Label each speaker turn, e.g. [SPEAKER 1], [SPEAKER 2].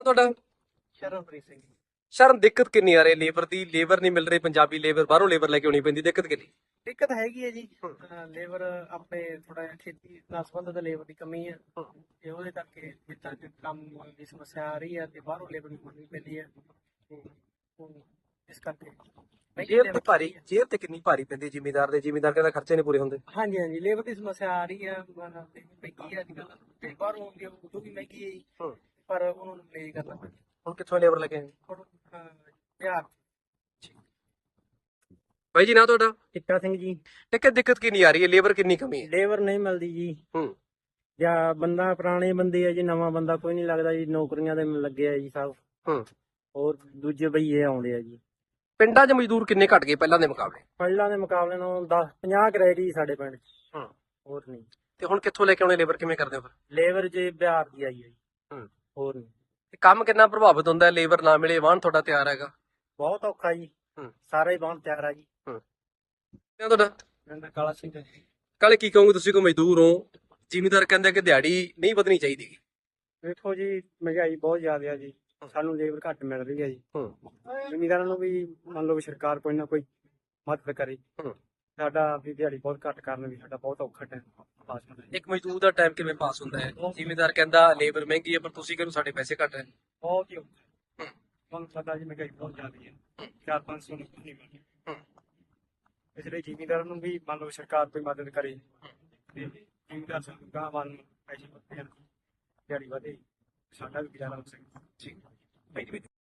[SPEAKER 1] ਤੁਹਾਡਾ?
[SPEAKER 2] ਸ਼ਰਨਪ੍ਰੀਤ ਸਿੰਘ।
[SPEAKER 1] ਸ਼ਰਨ, ਦਿੱਕਤ ਕਿੰਨੀ ਆ ਰਹੀ ਲੇਬਰ ਦੀ? ਲੇਬਰ ਨਹੀਂ ਮਿਲ ਰਹੀ, ਪੰਜਾਬੀ ਲੇਬਰ, ਬਾਹਰੋਂ ਲੇਬਰ ਲੈ ਕੇ ਆਉਣੀ ਪੈਂਦੀ, ਦਿੱਕਤ ਕਿੰਨੀ?
[SPEAKER 2] ਦਿੱਕਤ ਹੈਗੀ ਹੈ ਜੀ। ਲੇਬਰ ਆਪਣੇ ਥੋੜਾ ਜਿਹਾ ਖੇਤੀ ਨਾਲ ਸੰਬੰਧਿਤ ਲੇਬਰ ਦੀ ਕਮੀ ਹੈ ਤੇ ਉਹਦੇ ਕਰਕੇ ਖੇਤਾਂ 'ਚ ਕੰਮ ਦੀ ਸਮੱਸਿਆ ਆ ਰਹੀ ਹੈ ਤੇ ਬਾਹਰੋਂ ਲੇਬਰ ਮੰਗਣੀ ਪੈਂਦੀ ਹੈ। ਇਸ ਕਰਕੇ
[SPEAKER 1] ਜੇਬ ਤੇ ਕਿੰਨੀ ਭਾਰੀ ਪੈਂਦੀ ਜ਼ਿਮੀਦਾਰ ਦੇ? ਜ਼ਿਮੀਦਾਰ ਕਹਿੰਦਾ ਖਰਚੇ ਨਹੀਂ ਪੂਰੇ ਹੁੰਦੇ।
[SPEAKER 2] ਹਾਂਜੀ ਹਾਂਜੀ, ਲੇਬਰ ਦੀ ਸਮੱਸਿਆ ਆ ਰਹੀ ਹੈ। ਮਹਿੰਗੀ ਹੈ ਅੱਜ ਕੱਲ੍ਹ ਤੇ ਬਾਹਰੋਂ ਆਉਂਦੀ ਉਹ ਵੀ ਮਹਿੰਗੀ ਹੈ ਜੀ, ਪਰ ਉਹਨਾਂ ਨੂੰ ਪਲੇ ਕਰਨਾ ਪੈਂਦਾ।
[SPEAKER 1] ਹੁਣ ਕਿੱਥੋਂ ਲੇਬਰ ਲੈ ਕੇ ਆਏ?
[SPEAKER 2] ਬਿਹਾਰ।
[SPEAKER 1] ਬਾਈ ਜੀ, ਨਾ ਤੁਹਾਡਾ?
[SPEAKER 2] ਟਿੱਕਾ ਸਿੰਘ ਜੀ।
[SPEAKER 1] ਦਿੱਕਤ ਕਿੰਨੀ ਆ ਰਹੀ ਹੈ? ਲੇਬਰ ਕਿੰਨੀ ਕਮੀ ਹੈ?
[SPEAKER 2] ਲੇਬਰ ਨਹੀਂ ਮਿਲਦੀ ਜੀ। ਜਾਂ ਬੰਦਾ ਪੁਰਾਣੇ ਬੰਦੇ ਆ ਜੀ, ਨਵਾਂ ਬੰਦਾ ਕੋਈ ਨਹੀਂ ਲੱਗਦਾ ਜੀ। ਨੌਕਰੀਆਂ ਦੇ ਲੱਗੇ ਆ ਜੀ ਸਭ। ਹੋਰ ਦੂਜੇ ਬਈਏ ਆਉਂਦੇ ਆ ਜੀ।
[SPEAKER 1] ਪਿੰਡਾਂ 'ਚ ਮਜ਼ਦੂਰ ਕਿੰਨੇ ਘਟ ਗਏ ਪਹਿਲਾਂ ਦੇ ਮੁਕਾਬਲੇ?
[SPEAKER 2] ਪਹਿਲਾਂ ਦੇ ਮੁਕਾਬਲੇ ਨਾਲੋਂ 50 ਰਹਿ ਗਈ ਸਾਡੇ ਪਿੰਡ 'ਚ। ਹੋਰ ਨਹੀਂ।
[SPEAKER 1] ਤੇ ਹੁਣ ਕਿੱਥੋਂ ਲੈ ਕੇ ਆਉਣੇ ਲੇਬਰ? ਕਿਵੇਂ ਕਰਦੇ ਹੋ ਫਿਰ?
[SPEAKER 2] ਲੇਬਰ ਜੇ ਬਿਹਾਰ ਦੀ ਆਈ ਹੈ ਜੀ। ਹੋਰ ਨਹੀਂ।
[SPEAKER 1] ਕੰਮ ਕਿੰਨਾ ਪ੍ਰਭਾਵਿਤ ਹੁੰਦਾ ਹੈ ਲੇਬਰ ਨਾ ਮਿਲੇ? ਵਾਹਨ ਤੁਹਾਡਾ ਤਿਆਰ ਹੈਗਾ?
[SPEAKER 2] ਬਹੁਤ ਔਖਾ ਜੀ। ਸਾਰਾ ਹੀ ਵਾਹਨ ਤਿਆਰ ਆ ਜੀ।
[SPEAKER 1] ਤੁਹਾਡਾ?
[SPEAKER 2] ਪਿੰਡ ਕਾਲਾ ਸਿੰਘ।
[SPEAKER 1] ਕਾਲੇ, ਕੀ ਕਹੋਗੇ ਤੁਸੀਂ? ਕੋਈ ਮਜ਼ਦੂਰ ਹੋ, ਜ਼ਿਮੀਦਾਰ ਕਹਿੰਦੇ ਕਿ ਦਿਹਾੜੀ ਨਹੀਂ ਵਧਣੀ ਚਾਹੀਦੀ।
[SPEAKER 2] ਵੇਖੋ ਜੀ, ਮਹਿੰਗਾਈ ਬਹੁਤ ਜ਼ਿਆਦਾ ਆ ਜੀ। ਸਾਨੂੰ ਲੇਬਰ ਘੱਟ ਮਿਲ ਰਹੀ ਹੈ ਜੀ। ਜ਼ਿਮੀਦਾਰਾਂ ਨੂੰ ਵੀ ਮੰਨ ਲਓ ਸਰਕਾਰ ਕੋਈ ਨਾ ਕੋਈ ਮਦਦ ਕਰੇ। ਸਾਡਾ ਵੀ ਦਿਹਾੜੀ ਬਹੁਤ ਘੱਟ ਕਰਨ ਵੀ ਸਾਡਾ ਬਹੁਤ ਔਖਾ ਟਾਈਮ ਪਾਸ ਹੁੰਦਾ।
[SPEAKER 1] ਇੱਕ ਮਜ਼ਦੂਰ ਦਾ ਟਾਈਮ ਕਿਵੇਂ ਪਾਸ ਹੁੰਦਾ ਹੈ? ਜ਼ਿਮੀਦਾਰ ਕਹਿੰਦਾ ਲੇਬਰ ਮਹਿੰਗੀ ਹੈ, ਪਰ ਤੁਸੀਂ ਕਹਿੰਦੇ ਸਾਡੇ ਪੈਸੇ ਘੱਟ ਹੈ।
[SPEAKER 2] ਬਹੁਤ ਹੀ ਔਖਾ। ਤੁਹਾਨੂੰ ਪਤਾ ਜੀ ਮਹਿੰਗਾਈ ਬਹੁਤ ਜ਼ਿਆਦਾ ਹੈ। 400-500 ਨਹੀਂ ਮਿਲਦੀ। ਇਸ ਲਈ ਜ਼ਿਮੀਦਾਰਾਂ ਨੂੰ ਵੀ ਮੰਨ ਲਓ ਸਰਕਾਰ ਕੋਈ ਮਦਦ ਕਰੇ ਤੇ ਜ਼ਿਮੀਦਾਰ ਸਾਨੂੰ ਗਾਂ ਵੱਲ ਪੈਸੇ ਵੱਧਦੇ ਹਨ, ਦਿਹਾੜੀ ਵਧੇ, ਸਾਡਾ ਵੀ ਗੁਜ਼ਾਰਾ ਹੋ ਸਕੇ।